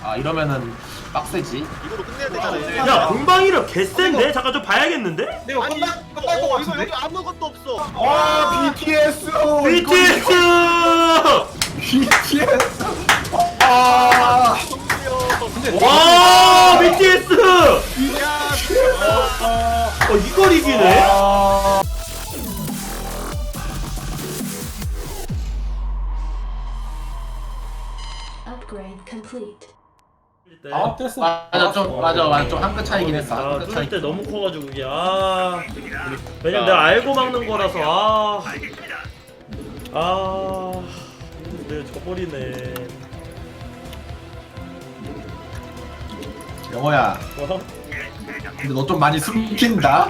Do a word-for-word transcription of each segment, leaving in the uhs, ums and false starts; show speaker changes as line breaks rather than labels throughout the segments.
아 이러면은 빡세지.
이거로 끝내야 되잖아요.
야 공방이력 개센데? 잠깐 좀 봐야겠는데?
이거
아니,
끝날 끝날 것
어, 이거
같은데?
여기 아무것도 없어.
와 비티에스.
비티에스!
비티에스. 아.
근데
와 비티에스!
야,
어 이걸 이기네?
아.
Upgrade complete.
아 됐어.
맞아 좀 맞아 맞아 좀 한 끗 차이긴 했어.
아
한 끗 차이.
뚫을 때 너무 커가지고 이게 아 왜냐면 내가 알고 막는 거라서 아 아 내가 져버리네.
영호야.
어?
근데 너 좀 많이 숨긴다.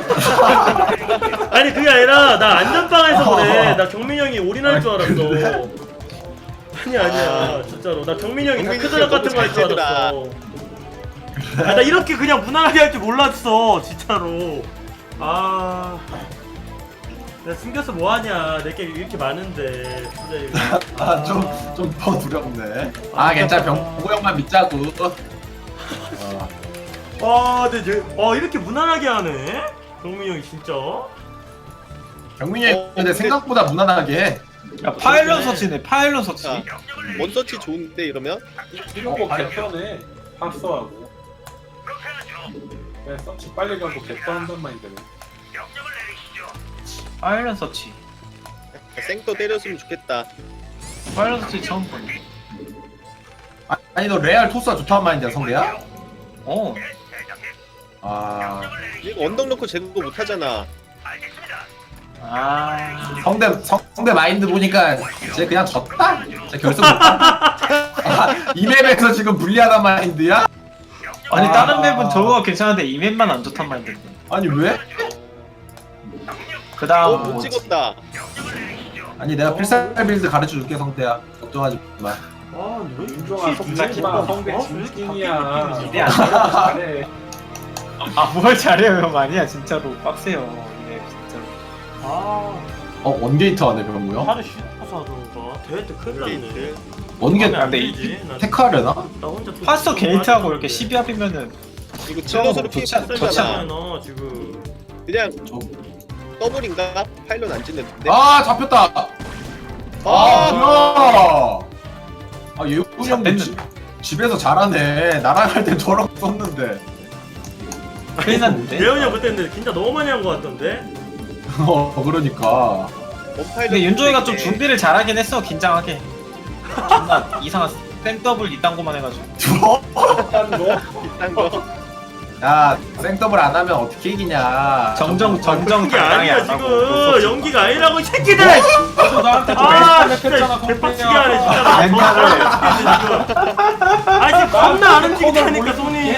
아니 그게 아니라 나 안전빵에서 그래. 나 경민이 형이 올인할 줄 알았어. 아니 아니야 진짜로 나 경민이 형이
경민이
다크드랍
진짜
같은 거 할 줄
너무 잘
알았어. 아, 나 이렇게 그냥 무난하게 할 줄 몰랐어 진짜로. 아 내가 숨겨서 뭐하냐. 내게 이렇게 많은데 진짜 이거.
아 좀 좀 더 두렵네. 아 괜찮아 병구 형만 믿자고. 어.
와 근데 이제 와 이렇게 무난하게 하네 경민이 형이 진짜.
경민이 형
어,
근데
근데-
생각보다 무난하게 해.
야 파일럿 서치네 파일럿 서치.
자, 원서치 좋은데 이러면?
이런 거
어,
개편해. 파스하고. 네, 서치 빨리 가고 개편한단 마인드네.
파일럿 서치.
생또 때렸으면 좋겠다.
파일럿 서치 처음 보네.
아, 아니 너 레알 토스가 좋다는 말인데 성대야?
어.
아
이거 언덕 넣고 제거 못하잖아.
아.
성대 성, 성대 마인드 보니까 쟤 그냥 졌다? 쟤 결승 못한다? 아, 이 맵에서 지금 불리하단 마인드야?
아니
아.
다른 맵은 저거가 괜찮은데 이 맵만 안 좋단 말인데.
아니 왜?
그다음
어, 못
뭐지?
찍었다.
아니 내가 필살 빌드 가르쳐 줄게 성대야. 걱정하지 마.
아 근데 왜
윤종아
이렇게
속지 마.
기뻐?
성대
어?
진진이야.
기대 안
잘해.
아뭘 잘해요 형 아니야 진짜로 빡세요 이 맵 진짜로.
아
어 원게이트 하네 병구 형?
하루 쉬어서 하던가 대회 때 큰일 났네.
게이트.
원게이트
안
근데
되지. 나-
테크하려나?
나 혼자 또
파스터
좀
게이트하고
하는데.
이렇게 십이 합이면은
이거 질럿으로 피해
좋지 않- 좋지
풀잖아.
않아.
나 지금
그냥
저...
더블인가? 파일럿 안 찍는데?
아 잡혔다! 아
아,
뭐야! 아 예훈이 형도
잡혔는데.
집- 집에서 잘하네. 나랑 할 때 저렇게 썼는데.
큰일 났는데.
예원이 형 그때 근데 진짜 너무 많이 한 거 같던데?
어 그러니까.
원파일럿
근데 윤종이가 좀
찍네.
준비를 잘하긴 했어 긴장하게. 존나 이상한 땡더블 이딴 거만 해가지고.
한 거.
비싼 거.
야 생더블 안 하면 어떻게 이기냐.
정정 정정
그게
당당히
아니야
안 하고
지금
노서치.
연기가 아니라고 이 새끼들!
너도 나한테
아
멘탈
진짜
했잖아.
개빡치게 하네 진짜 나
멘탈을.
아 지금 겁나 안 움직이다니까 손이.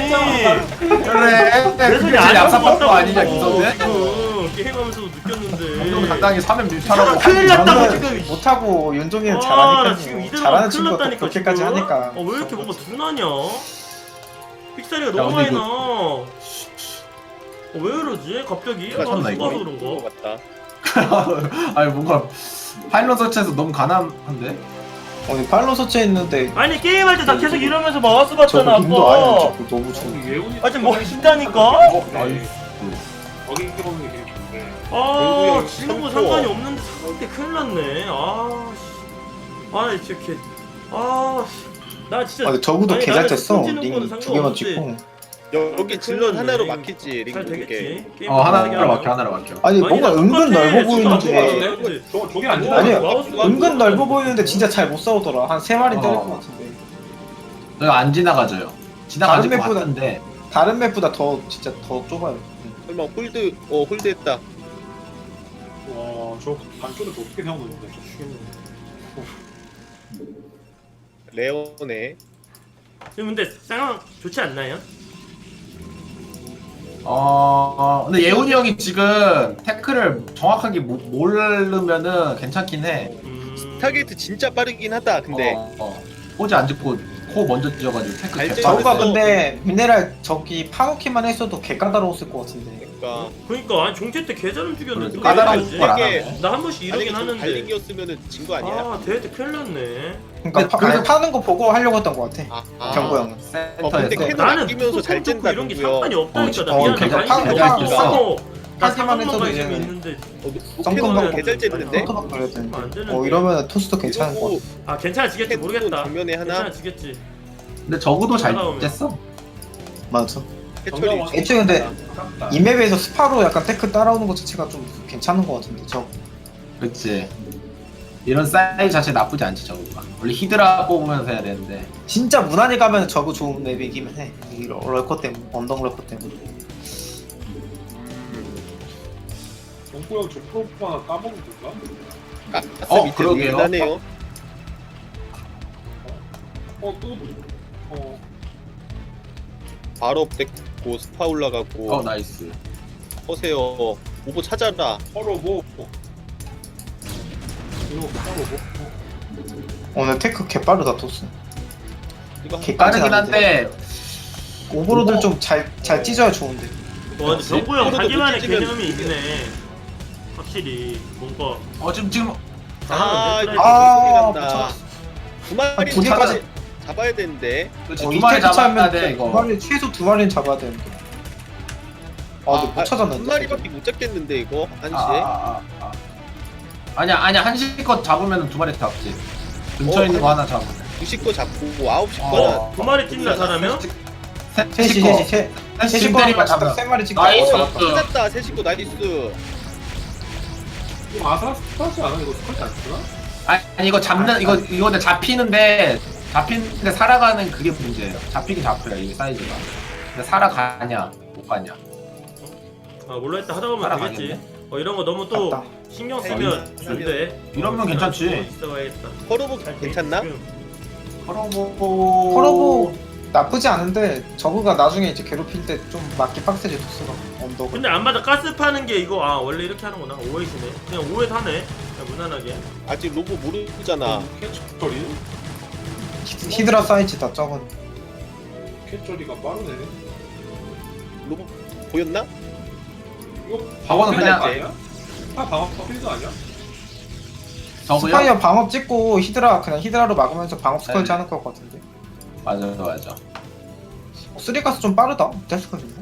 그래.
내
그게
손이
제일
안
얍삽한 거
움직였다고.
아니냐 김선배?
지금 게임하면서도
형
느꼈는데.
당당히 삼 회 뮤타라고.
큰일 났다고
저는
지금.
못하고 윤종이는
아, 나
잘하니까요.
지금 이대로
잘하는
큰일
친구가 또
났다니까
그렇게까지
지금.
하니까.
어, 왜 이렇게 뭔가 둔하냐? 픽사리가
야,
너무
근데
많이 나. 어, 왜 이러지? 갑자기?
누가 쳤나, 이거?
죽어서
그런
그런가?
거 같다.
아니 뭔가 파일럿 설치해서 너무 가난한데?
어, 팔로 서치했는데
아니 게임할 때 나 계속 이러면서 마우스 봤잖아
저거
아까.
눈도 아예 너무 좋은.
예훈이.
아 지금 뭐 진짜니까?
어? 아이
거기 보는 게 되게 좋은데.
아
공구형
지는 거
삼 코어.
상관이 없는데 상대 큰일 났네. 아 씨. 아 진짜 개. 아 씨. 나 진짜.
아, 근데 저구도
아니,
개잘
나는
쳤어.
손 찌는 거는
링 두 개만
상관없지.
찍고.
여기 질럿 하나로 막히지.
잘
링 두 개.
되겠지. 게임
어 하나로
편하게
막혀
하면.
하나로 막혀.
아니 뭔가
아니,
은근
똑같아.
넓어
진짜 안
보이는데.
똑같은데?
저 저게 안 된다.
아니야.
마우스가
은근 넓어
똑같아.
보이는데 진짜 잘 못 싸우더라. 한 세 마리 때릴
어.
것 같은데.
저거 안 지나가져요. 지나가질 것
다른 맵보다-
같은데.
다른 맵보다 더 진짜 더 좁아요.
설마 홀드, 어, 홀드했다.
와, 저 반쪽을 어떻게 세워놓는데?
레오네.
지금 근데 상황 좋지 않나요?
어 근데 예훈이 형이 지금 태클을 정확하게 모, 모르면은 괜찮긴 해.
음...
타겟 진짜 빠르긴 하다. 근데
어, 어. 포즈 안 짓고 코 먼저 찢어가지고 테크
알지?
개빡.
저거가
그래서-
근데 미네랄 저기 파놓기만 했어도 개 까다로웠을 것 같은데.
그러니까
그니까 아니 종채 때 개잘 죽였는데
그래, 까다로운
왜
걸 안
이러지?
하네.
나 한 번씩
만약에
이러긴
좀
하는데
달리기였으면은 진 거 아니야?
아 대회 때 큰일 났네.
그러니까 파,
그래서-
아니, 파는 거 보고 하려고 했던 것 같아.
아, 아.
경고 형은.
어, 근데
센터에서.
캐논
나는
아끼면서 잘
뚜껑 뚫고
찐다,
이런 게
누구요?
상관이 없다니까.
어,
나
어,
미안해
괜찮아.
관심이
파-
없어.
파-
나
파기만
사방만
해서도
관심이
얘는
있는데
성금
캐논
받고
개잘 쨌는데?
토토박 걸려야
안
되는데.
되는데.
어 이러면 토스도 괜찮은 것
그리고
같아.
아 괜찮아지겠지
캐논
모르겠다.
정면에 하나
괜찮아지겠지.
근데 적어도 잘
따라오면.
쨌어.
맞아.
해철이
애초에 근데 이 맵에서 스파로 약간 테크 따라오는 것 자체가 좀 괜찮은 것 같은데 저.
그렇지. 이런 사이즈 자체 나쁘지 않지 저거가. 원래 히드라 뽑으면서 해야 되는데.
진짜 무난히 가면 저거 좋은 맵이기만 해. 이 럴커 때문에 언덕 럴커 때문에.
정구 형저 프로포 하나 까먹은 건가?
가스
어,
밑에
그러게요.
나네요.
어또 어.
바로 뺏고 스파 올라가고
어 나이스.
허세요. 오버 찾아라.
서로 뭐 이거 서로 뭐
오늘 테크 개 빠르다 토스.
이거
개
빠르긴
깜찍한데.
한데
오버로드를 좀 잘 잘 찢어야 좋은데.
와 근데 정구 형
코로도
자기만의
못 찢으면
개념이 있네. 확실히 뭔가
어 지금 지금
아,
잘하는데,
이거
아,
소리 난다. 두 마리
두
잡아,
개까지-
잡아야 되는데.
그렇지,
어,
두
이
마리
테크
잡아야
차면
돼
두
이거.
마리 최소 두 마리는 잡아야 되는데. 아, 근데 못 찾았는데.
한 마리밖에 못 잡겠는데 이거 한시에.
아, 아, 아, 아. 아니야 아니야 한시껏 잡으면 두 마리 잡지. 근처에
어,
있는 거
아니.
하나 잡으면.
두시 거 잡고 아홉 시
어.
거는
두 마리 찐다 사람이요?
셋이
셋이
셋이
거.
셋.
셋이
셋이
지금
거면
때리면 잡아.
세 마리 찍고
나이스.
잡았다.
찾았다. 세시 거 나이스.
이거 아사스타지 않아? 이거 스컬지 안 쓰나?
아니, 아니 이거 잡는 이거 이거 근데 잡히는데 잡히는데 살아가는 그게 문제예요. 잡히긴 잡혀요 이게 사이즈가. 근데 살아가냐 못 가냐.
아 몰라 했다 하다 보면
살아가겠네.
되겠지. 어 이런 거 너무 또
맞다.
신경 쓰면 안 돼.
이러면 괜찮지.
있어야겠다.
커러브 괜찮나?
커러보
커러보 나쁘지 않은데 저그가 나중에 이제 괴롭힐 때 좀 맞기 빡세지 토스가 언덕을.
근데 안 맞아 가스 파는 게 이거 아 원래 이렇게 하는구나. 오해시네. 그냥 오해 사네. 그냥 무난하게.
아직 로보 모르잖아.
캐처리?
히드- 히드라 사이즈 다 적은.
캐처리가 빠르네.
로보 보였나?
이거
저거는
필드
그냥-
아니야? 아 방어 필드 아니야?
저거요?
스파이어 방업 찍고 히드라 그냥 히드라로 막으면서 방업 스컬지
네.
하는 것 같은데.
맞아 맞아.
어, 쓰리가스 좀 빠르다. 데스컬인데.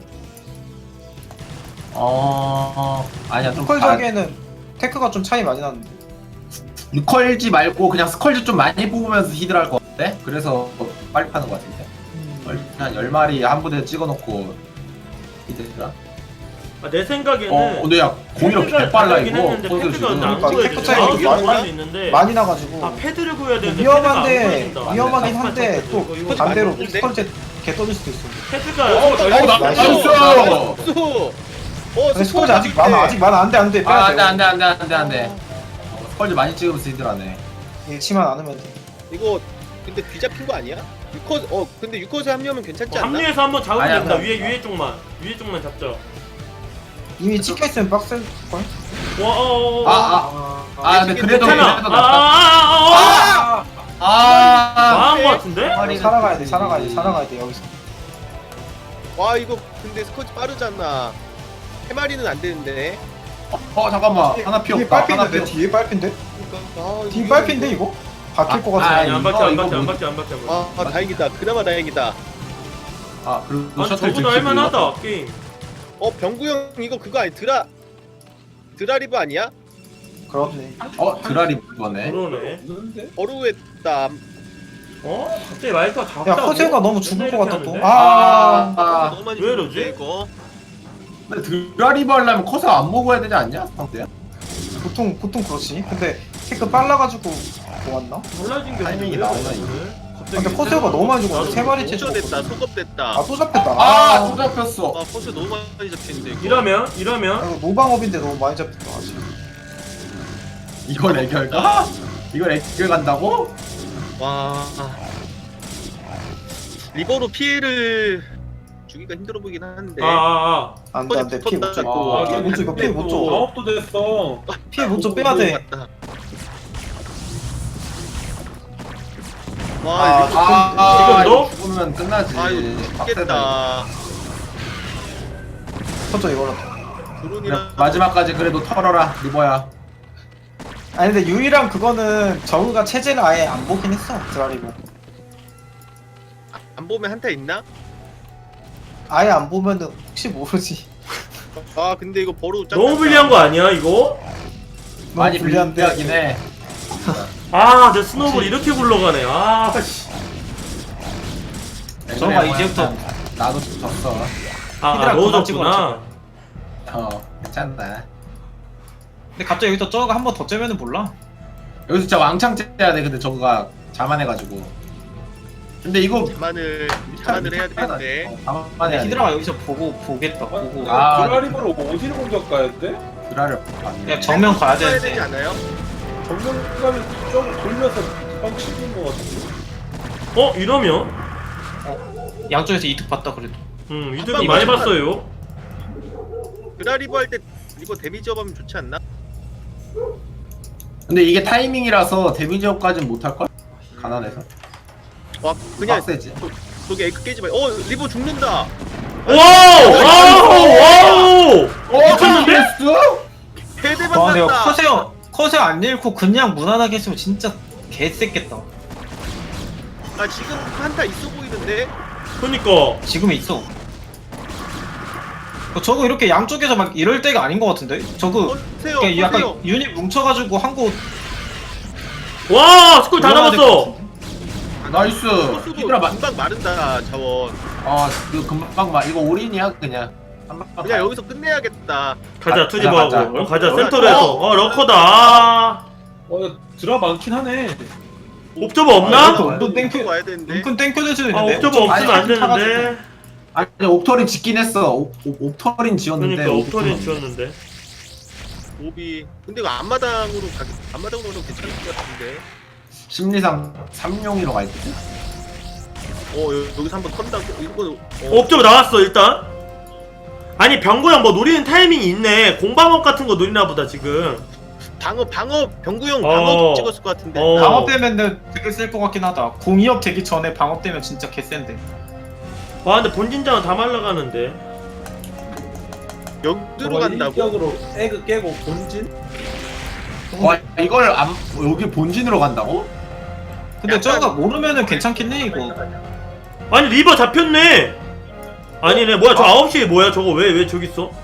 어 아니야 좀
스컬적에는 테크가 좀 차이 많이 나는데.
스컬지 말고 그냥 스컬지 좀 많이 뽑으면서 히드라 할 것 같아. 그래서 빨리 파는 것 같은데. 한 열 마리 한 부대 찍어놓고 히드라.
아, 내 생각에는
어 근데 야 공이력
패드가
개빨라
다르긴
이거.
했는데
선수
패드가
지금.
근데 안
그러니까
보여져.
테크 차이가
나오긴
많이
보여는 있는데
많이 나가지고
아 패드를 보여야 되는데
위험한데
패드가 안 보여진다.
위험하긴
아,
한데
패드,
또
이거, 이거
반대로
맞는데?
스컬제 개 떠질 수도 있어.
패드가
어 나-
나이스.
나이스.
수. 어
근데 스컬제 아직 많아. 아직 많아. 안돼 안돼.
아
빼야
안돼
돼.
안돼 안돼 안돼 안돼. 스컬지 많이 찍으면서 히드라네.
잃지만 않으면 돼.
이거 근데 뒤잡힌 거 아니야? 유컷 어 근데 유컷에 합류하면 괜찮지
어,
않나?
합류해서 한번 잡으면
아니야,
된다.
그냥-
위에 위에 쪽만 위에 쪽만 잡자.
이미 찍혀 있으면 빡셀 걸.
와 어, 어, 어.
아 아. 아 근데 그래도
괜찮아.
그래도
아,
낫다.
아, 아, 아, 아.
아.
망한 거 같은데?
머리-
살아가야 돼. 살아가야 돼. 살아가야 돼 여기서.
와 이거 근데 스쿼트 빠르잖아. 세 마리는 안 되는데.
어 잠깐만 하나
뒤에
피었다. 하나
빨핀데
피었다.
뒤에 빨핀데?
아,
뒤에
이거-
빨핀데 이거? 박힐 것
아,
같아.
아니 안 박혀 안
이거
박혀 안
뭐-
박혀 안 박혀.
아, 아 다행이다. 그나마 다행이다.
아 그리고
아니
셔틀
저보다
들키고
할만하다 게임.
어 병구 형 이거 그거 아니 드라 드라리브 아니야?
그렇네.
어 드라리 이거네.
그러네.
없는데?
어루했다.
어? 갑자기 마이크가 작다고?
야 커세가 너무 죽을 것 같다 또.
하는데?
아.
아
너무 많이
왜
죽는데,
이러지?
이거.
근데 드라리브 하려면 커서 안 먹어야 되지 않냐? 상대야?
보통 보통 그렇지. 근데 테크 빨라가지고 좋았나?
달라진 게
타이밍이
왜
나오나,
이러지?
이거?
근데 커세가 너무 많이 죽었어.
나도
세 마리 채
소급됐다.
죽었거든.
소급됐다.
아 또 잡혔다.
아,
아.
또 잡혔어.
아 포스 너무 많이 잡히는데 이거.
이러면
아,
이러면
이거 노방업인데 너무 많이 잡혔다. 아직.
이걸 애결가? 이걸 애결 간다고?
와. 리버로 피해를 주기가 힘들어 보이긴 하는데.
아아아
안돼 안돼 피해 못 줘.
아,
피해 못 줘. 이거 피해 못 줘.
작업도 됐어.
피해 못 줘. 빼야 돼.
맞다. 와
아,
리버
아, 아,
지금도?
이거 죽으면 끝나지.
아 이거
빡세다,
죽겠다.
터져 이거라도.
이거.
드론이랑
그래, 마지막까지 그래도 털어라 리버야.
아니 근데 유이랑 그거는 저그가 체제를 아예 안 보긴 했어 드라리고.
안 보면 한타 있나?
아예 안 보면은 혹시 모르지.
아 근데 이거 버로 짱
너무 불리한 거 아니야 이거?
많이
불리한데.
불리하긴 해.
아, 내 스노우볼 이렇게 굴러가네. 아, 씨.
저거가
그래,
이제부터
그냥 나도 졌어.
아, 아
히드라
넣어줬구나.
어 괜찮다.
근데 갑자기 여기서 저거 한 번 더 째면은 몰라.
여기서 진짜 왕창 째야 돼. 근데 저거가 자만해가지고. 근데 이거
자만을 자만을 해야 되는데
어, 자만해야 돼.
히드라가 여기서 보고 보겠다. 보고.
아.
드라리버를 어디로 공격 가야 돼?
드라를 안
그냥 정면 가야
써야 되지
되는데.
않아요?
정면 가면 좀 돌면서 뻥치는 거 같은데.
어, 이러면?
양쪽에서 이득 봤다 그래도.
음, 이득은 많이 봤어요.
그라리버 할 때 이거 데미지 업하면 좋지 않나?
근데 이게 타이밍이라서 데미지업까지는 못할 걸? 가난해서.
와 그냥
빡세지.
저기 에그 깨지 마. 어 리버 죽는다.
와우! 와우! 와우!
어,
미쳤는데?
해대만
와 내가
났다.
커세어 커세어 안 잃고 그냥 무난하게 했으면 진짜 개쎄겠다.
아 지금 한타 있어 보이는데?
그니까.
지금 있어. 어, 저거 이렇게 양쪽에서 막 이럴 때가 아닌 것 같은데? 저거
보세요.
그러니까 약간
보세요.
유닛 뭉쳐가지고 한 곳
와, 스콜 다
올라가야 될것
잡았어.
같은데?
나이스.
코스도
히드라 마.
금방 마른다 자원.
아 이거 금방 막 이거 올인이야 그냥. 한방
그냥 여기서 끝내야겠다.
가자,
가-
투디버하고.
가자.
어, 가자, 센터로 해서. 어, 러커다. 아.
어, 야, 드라 많긴 하네.
옵저버
아,
없나?
이것도 은근 땡큐
와야 되는데.
은근 땡큐 될 수도
아,
있는데.
옵저버 없으면 안
아니,
되는데.
아니 옵터린 짓긴 했어. 옵, 옵, 옵터린 지었는데.
그러니까 옵터린
옵터린-
지웠는데.
오비. 근데 이거 앞마당으로 가. 앞마당으로 가면 괜찮을 것 같은데.
심리상 삼룡이로 갈 때.
어 여- 여기서 한번 턴다고. 이거 어,
옵저버 나왔어, 일단. 아니, 병구 형 뭐 노리는 타이밍이 있네. 공방업 같은 거 노리나 보다, 지금.
방어 방어 병구형
어.
방어 찍었을 것 같은데.
어.
방업 되면은 되게 쓸 것 같긴 하다. 공이업 되기 전에 방업 되면 진짜 개센데.
와, 근데 본진장은 다 말라가는데.
여기로 간다고?
일격으로 에그 깨고 본진?
와 이걸 안 여기 본진으로 간다고?
근데
약간-
저거가 모르면은 괜찮긴 해 이거.
아니, 리버 잡혔네. 아니네, 뭐야, 저 아홉 시에 뭐야, 저거 왜, 왜 저기 있어?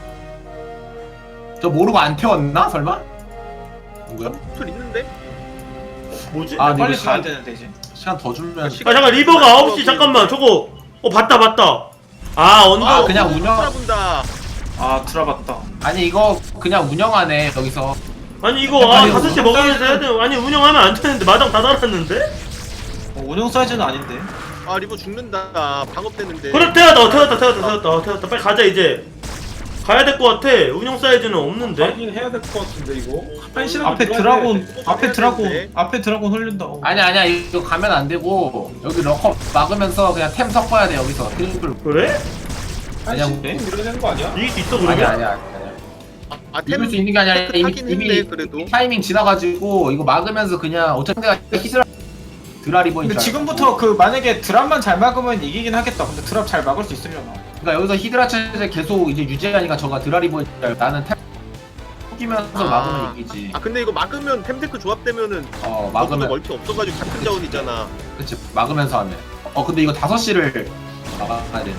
저 모르고 안 태웠나 설마? 누구야?
툴 있는데?
뭐지?
아
아,
근데
빨리
이거
가야
시간
되는데 이제.
시간 더 주면.
잠깐, 리버가 아홉 시, 잠깐만, 저거. 어, 봤다, 봤다. 아, 언더.
아, 그냥 운영-
본다.
아 들어봤다.
아니 이거 그냥 운영하네 여기서.
아니, 이거, 아,
아니,
다섯 시
운영
먹으면서 해야 돼. 아니, 운영하면 안 되는데, 마당 다 달았는데?
어, 운영 사이즈는 아닌데.
아 리버 죽는다. 방업되는데.
그래, 태웠다, 어, 태웠다, 태웠다, 태웠다, 어, 태웠다. 빨리 가자, 이제. 가야 될 것 같아. 운영 사이즈는 없는데?
하긴 해야 될 것 같은데 이거. 한 시간
앞에
들어가야
드라곤
돼.
앞에 드라곤
되는데.
앞에 드라곤 흘린다. 어.
아니 아니야 이거 가면 안 되고 여기 럭커 막으면서 그냥 템 섞어야 돼 여기서 트리플.
그래?
한
그냥
시간 밀어내는 거 아니야?
이길 수 있어,
아니야
그러면?
아니야 아니야.
아
이길 수 있는 게 아니라 이미
하긴
이미
했네, 그래도.
타이밍 지나가지고 이거 막으면서 그냥 어차피 내가 히스라 드라리버인
근데
줄
지금부터
알고.
그 만약에 드랍만 잘 막으면 이기긴 하겠다. 근데 드랍 잘 막을 수 있으려나?
그러니까 여기서 히드라 체제 계속 이제 유지하니까 저가 드라리버인 줄 알고 나는 템 섞이면서
아.
막으면 이기지.
아 근데 이거 막으면 템테크 조합되면은
어
막으면
막으면
멀티 없어가지고 같은 자원이잖아.
그치 막으면서 하면. 어 근데 이거 다섯 시를 막아야 되는데.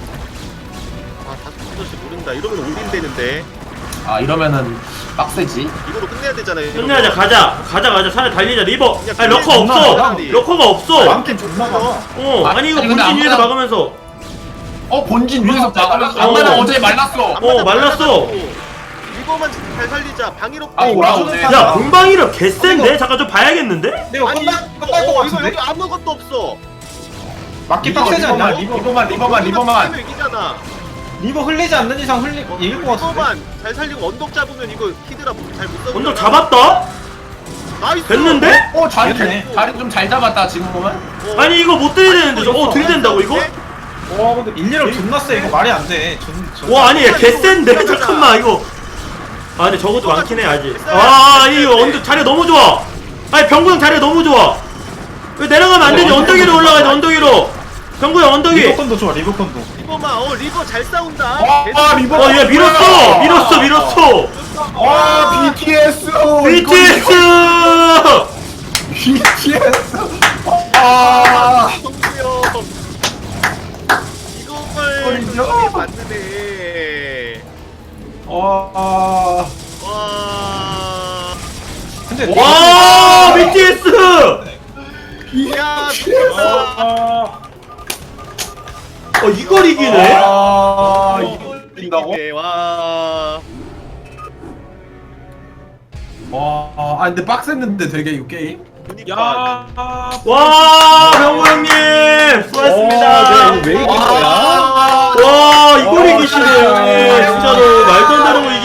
아 다섯 시 모른다. 이러면 올인 되는데.
아 이러면은 빡세지.
이거로 끝내야 되잖아. 이러면.
끝내자, 가자. 가자, 가자. 차라리 달리자, 리버.
그냥
아니, 러커
끝내자.
없어.
끝내자.
러커가 없어.
많긴 존나 많아.
어,
아,
아니, 이거
아니, 근데
본진 위에서
아무나-
막으면서.
어 본진 위에서 막으면서
어.
안마당 어제 말랐어.
어, 말랐어.
리버만 잘 살리자. 방위로.
아, 올라오네.
야, 공방이력 개센데? 잠깐 좀 봐야겠는데?
내가
아니
끝날
이거,
끝날 것
어, 이거
같은데?
여기 아무것도 없어.
막기
리버,
빡세지 않냐?
리버만,
리버
리버만 리버만 리버만.
리버만 이기잖아.
리버 흘리지 않는 이상 흘리
어,
이길 것 같은데.
리버만 잘 살리고 언덕 잡으면 이거 히드라 잘못 잡으면.
언덕 잡았다?
나이스.
됐는데?
어 자리
됐네.
자리 좀 잘 잡았다 지금 보면.
어.
아니, 이거 못 들이대는데. 저- 어, 들이댄다고, 이거?
와 근데
일리로 존나 세. 이거 말이 안 돼. 존, 존.
와, 아니, 얘 개센데? 잠깐만, 이거. 아, 근데 적어도 많긴 해, 아직. 아, 이거 언덕 자리가 너무 좋아. 아니, 병구형 자리가 너무 좋아. 왜 내려가면 안 되지? 언덕 위로 올라가야 돼. 언덕 위로. 정구야 언덕 위.
리버컨도 좋아 리버컨도.
리버만 어 리버 잘 싸운다.
아 리버.
어, 얘 밀었어. 밀었어, 밀었어.
와 비티에스.
비티에스.
비티에스. 아.
정수요. 이걸
이거요?
정수이 맞네.
와.
와.
근데
와, 비티에스.
야,
아.
어, 이걸 이기네.
아 이걸 이긴다고?
이기네, 와.
와. 아 근데 빡셌는데 되게 이거 게임.
그니까.
와, 병구 형님 수고하셨습니다.
왜 이긴 거야?
와.
와, 이걸 이기시네 형님. 진짜로 말도 안 되는 거